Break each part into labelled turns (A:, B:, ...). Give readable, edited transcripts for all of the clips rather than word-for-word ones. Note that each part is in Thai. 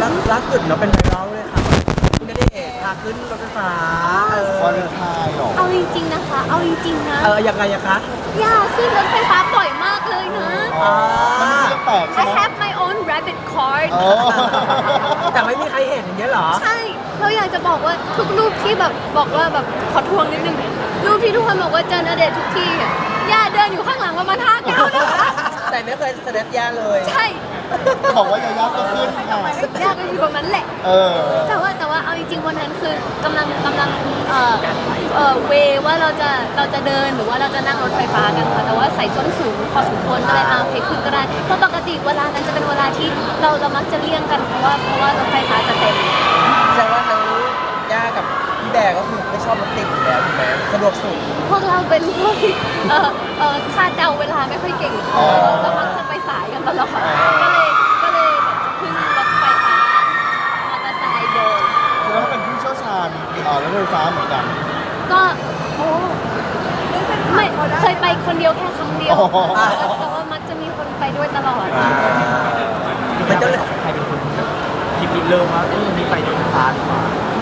A: ล่าสุดเนาะเป็นไวรัลเลยค่ะคุณณเดชน์พาขึ้นรถไฟฟ้า
B: วันไทยหรอ
C: เอาจริงๆนะคะเอาจริงๆนะ
A: ยังไงคะ
C: อย่าขึ้นรถไฟฟ้าบ่อยมากเลยนะ
B: มันไม่ใช่เรื่องแปลกใช่
C: I
B: ไหม
C: have my own rabbit card
A: แต่ไม่มีใครเห็นอย่างเงี้ยเหรอ
C: ใช่เราอยากจะบอกว่าทุกรูปที่แบบบอกว่าแบบขอทวงนิดนึงรูปที่ทุกคนบอกว่าเจอณเดชน์ทุกที่อะย่าเดินอยู่ข้างหลังประมาณ5 ก้าวนะคะ
A: แต่ไม่เคยแสดงยาเลย
C: ใช่
B: บอกว่ายายาก็ขึ้นค่ะ
C: ย่าก็อยู่ตรงนั้นแหละแต่ว่าเอาจริงๆวันนั้นคือกำลังเวว่าเราจะเดินหรือว่าเราจะนั่งรถไฟฟ้ากันค่ะแต่ว่าใส่ส้นสูงพอสมควรก็เลยโอเคขึ้นก็ได้เพราะปกติเวลานั้นจะเป็นเวลาที่เรามักจะเลี่ยงกันเพราะว่ารถไฟฟ้าจะเต็ม
A: แสดงว่าทั้งย่ากับพี่แบร์ก็คือไม่ชอบรถติดอยู่แล้วถูกไหมสะดวกสุด
C: พวกเราเป็นพวกคาดเดาเวลาไม่ค่อยเก่งเรามักจะไปสายกันตลอดก็เลยแบบจะขึ้นรถไฟฟ้ามอเตอร์ไซค์เดิน
B: แล้วก็เป็นผู้เชี่ยวชาญรถไฟฟ้าเหมือนกัน
C: ก็ไม่เคยไปคนเดียวแค่ครั้งเดียวแต่ว่ามักจะมีคนไปด้วยตลอด
A: มันจะเลยใครเป็นคนคิดเริ่มว่ามีไปรถไฟฟ้าดีกว่า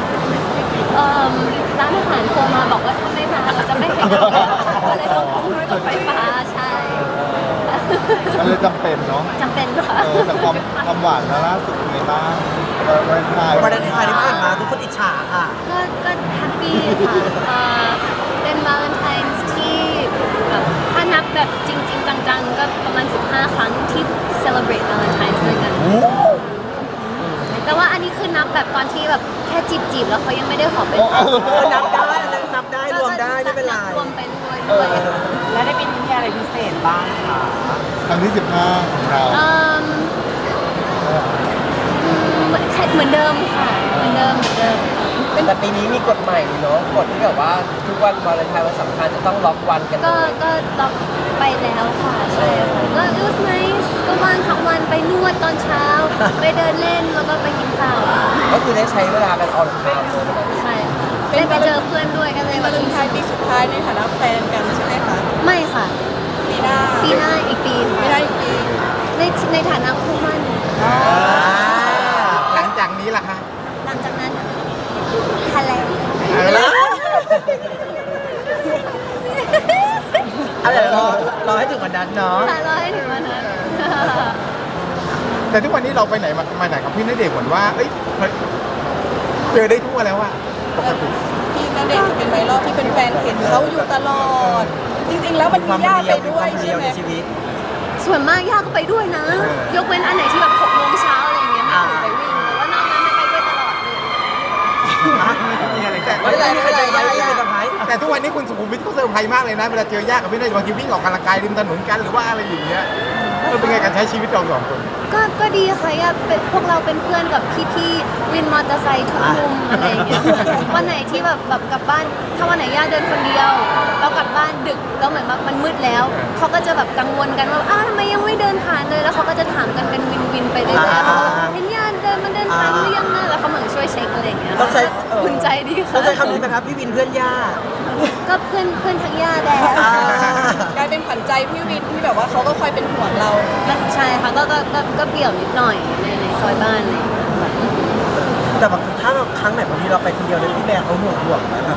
C: ร้านอาหารโทรมาบอกว่าถ้าไม่มาเราจะไม่ให้เราก็เลยต้องขึ้นรถไฟฟ้าใช่
B: มันเลยจำเป็นเนาะ
C: จำเป็นค่ะ
B: แต่ความหวานล่าสุดเป็นไงบ้างวันไทย
A: ที่ผ่านมาทุกคนอิจฉาค่ะ
C: ก็แฮปปี้ค่ะเป็นวาเลนไทน์ที่ถ้านับแบบจริงๆจังๆก็ประมาณ15 ครั้งที่ celebrate Valentine's ด้วยกันแต่ว่าอันนี้คือนับแบบตอนที่แบบแค่จีบแล้วเขายังไม่ได้ขอเป็น
A: นับได้รวมได้ไม่เป็นไร
C: รวมไปด้วย
A: แล้วได้ปีนี้มีอะไรพิเศษบ้างคะ
B: ครั้งที่15ของเรา
C: เหมือนเดิมค่ะเหมือนเดิม
A: แต่ปีนี้มีกฎใหม่เนาะกฎที่แบบว่าทุกวันวาเลนไทน์วันสำคัญจะต้องล็อกวันกัน
C: ก็ล็อกไปแล้วค่ะใช่ค่ะก็ it was nice ก็ว่างทั้งวันไปนวดตอนเช้าไปเดินเล่นแล้วก็ไปกินข้าว
A: ก็คือได้ใช้เวลากันออนไลน์เลย
C: ใช่ได้ไปเจอเพื่อนด้วยกันเลย
D: วันไทยปีสุดท้ายในฐานะแฟนกันใช่ไหมคะ
C: ไม่ค่ะ
D: ปีหน้า
C: อีกปีค่ะ
D: ปีหน้าอีกปี
C: ในฐานะคู่มั่น
B: หลังจากนี้ล่ะคะ
C: หลังจากนั้นทะเล
A: อะไรรอให้ถึงวันนั้นเนาะ
C: รอให้ถึงวันนั้น
B: แต่ทุกวันนี้เราไปไหนมาไหนกับพี่ณเดชน์เหมือนว่าเจอได้ทั่วแล้วอะปกติ
D: พี่ณเดชน์จะเป็นไวรัลที่เป็นแฟนเห็นเขาอยู่ตลอดจริงๆแล้วมันมีญาติไปด้วยใช่ไหม
C: ส่วนมากญาติก็ไปด้วยนะยกเว้นอันไหนที่แบบ6 โมงเช้าอะไรอย่างเงี้ยไม่ถึงไปวิ่งแต่ว่านอกนั้นไม่ไปด้วยตลอดเลย
B: แต่ทุกวันนี้คุณสุขุมวิทเขาเซอร์ไพรส์มากเลยนะเวลาเจอญาติกับพี่ณเดชน์บางทีวิ่งออกกำลังกายริมถนนกันหรือว่าอะไรอย่างเงี้ยเป็นไงการใช้ชีวิตเรา2 คน
C: ก็ดีค่ะพวกเราเป็นเพื่อนกับพี่วินมอเตอร์ไซค์ทุกมุมอะไรอย่างเงี้ยวันไหนที่แบบกลับบ้านถ้าวันไหนย่าเดินคนเดียวเรากลับบ้านดึกแล้วเหมือนแบบมันมืดแล้วเขาก็จะแบบกังวลกันว่าทำไมยังไม่เดินผ่านเลยแล้วเขาก็จะถามกันเป็นวินไปเรื่อยๆเห็นย่ามันเดินผ่านหรือยังนะแล้วเขาเหมือนช่วยเช็คอะไรอย่างเงี้ย
A: ต้องใช้
C: คุณใจดีค่ะ
A: ต้องใช้คำนี้ไหมครับพี่วินเพื่อนย่า
C: ก็เพื่อนทั้งย่าแดง
D: กลายเป็นขวัญใจพี่วินที่แบบว่าเขาก็คอยเป็นห่วงเรา
C: ใช่ค่ะก็เปี่ยวนิดหน่อยในซอยบ้านเลย
A: แต่แบบถ้าครั้งไหนบางทีเราไปคนเดียวเลยพี่แบร์เขาห่วงนะครับ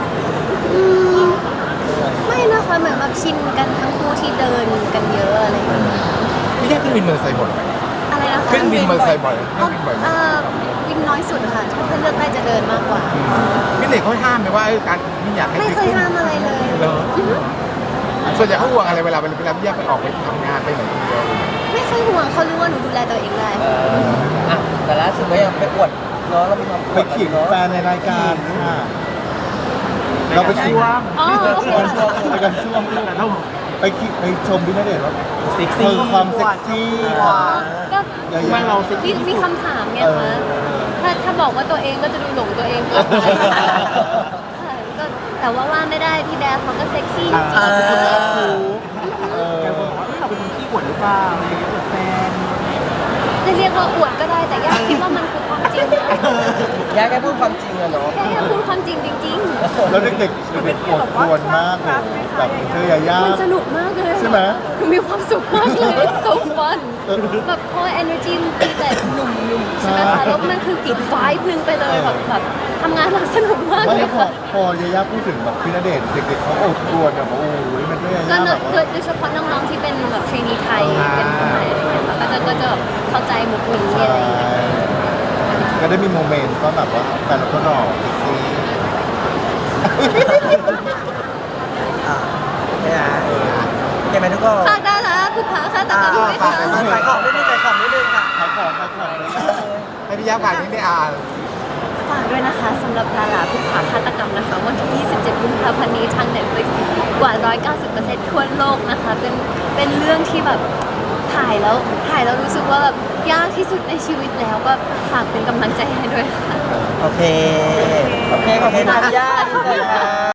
C: ไม่นะคะเหมือนแบบชินกันทั้งคู่ที่เดินกันเยอะอะไรอย่างเงี้ย
B: พี่แค่ขึ้นวินมอเตอร์ไซค์บ่อย
C: อะไรนะคะ
B: ขึ้นวินมอเตอร์ไซค์บ่อย
C: วินน้อยสุดค่ะถ้าเลือกได้จะเดินมากกว่า
B: พี่เด็กเขาห้ามไหมว่าการไม่อยากให้
C: ไม่เคยห้ามอะไรเลย
B: ส่วนใหญ่เขาห่วงอะไรเวลาพี่แยกไปออกไปทำงานไปไหนคนเดียว
C: ไม่เคยห่วงเขารู้ว่าหนูดูแลตัวเองได้
A: แต่ล่าสุดก็ยังไปอวดเนาะเรา
B: ไปขีดแฟนในรายการเราไปชิมไปกันช่วงไปชมพี่ณเดชน์ว่า
A: เซ็กซี่
B: ความเซ็กซี่
C: ก็ไม่เรามีคำถามไงคะถ้าบอกว่าตัวเองก็จะดูหลงตัวเองเกินไปก็แต่ว่าไม่ได้พี่แบร์เขาก็เซ็กซี่จริงๆ
A: เราเป็นคนขี้อวดหรือเปล่าอวดแฟน
C: จะเรียกว่าอวดก็ได้แต่ยากคิดว่ามันคือความจริงริงๆนะ
A: ย่าแค่พูดความจริงอะเนาะ
C: แค่พูดความจริงจริง
E: แล้วเด็กๆเด็กๆปวดควรมากเลยแบบเธอยาย่า
C: ๆมันสนุกมากเลย
E: ใช่ไหม
C: หนูมีความสุขมากเลย it's so fun แบบพอ energy มันตีแต่หนุ่มๆใช่ไหมคะแล้วมันคืออีก vibe หนึ่งไปเลยแบบทำงานเราสนุกมาก
E: ไม่
C: เล
E: แล้
C: ยว
E: พอ
C: ค่ะ
E: พอยาย่าพูดถึงแบบพี่ณเดชน์เด็กๆเขาโอดครวญแบบโอ้ยมันด้วยยา
C: ก็
E: ย่าแบบว่า
C: โดยเฉพาะน้องๆที่เป็นแบบเทรนนีไทยเป็นคนไทยอะไรเงี้ยค่ะก็จะแบบเข้าใจมุกนี้อะไรอย่างเงี้ย
E: ก็ได้มีโมเมนต์ก็แบบว่าแฟนเราก็หล่อเซ็กซี่
A: เนี่ยโอเคไหมทุกคน
C: ฝากดาราผู้ผาค่ะตะกรรมด้วย
A: ฝา
C: ค่ะ
A: กขายของนิดนึงขายของนิดนึงค่ะ
E: ขายของเลยนะ
B: ให้พี่ย่าฝากนิดนึง
C: ฝากด้วยนะคะสำหรับดาราผู้ผาฆาตกรรมนะคะวันที่ 27 กุมภาพันธ์นี้ทาง Netflix กว่า 190% ทั่วโลกนะคะ เป็นเรื่องที่แบบถ่ายแล้วรู้สึกว่าแบบยากที่สุดในชีวิตแล้วก็ฝากเป็นกำลังใจให้ด้วยค่ะ
A: โอเค โอเค ขอบคุณนะย่าที่เจอค่ะ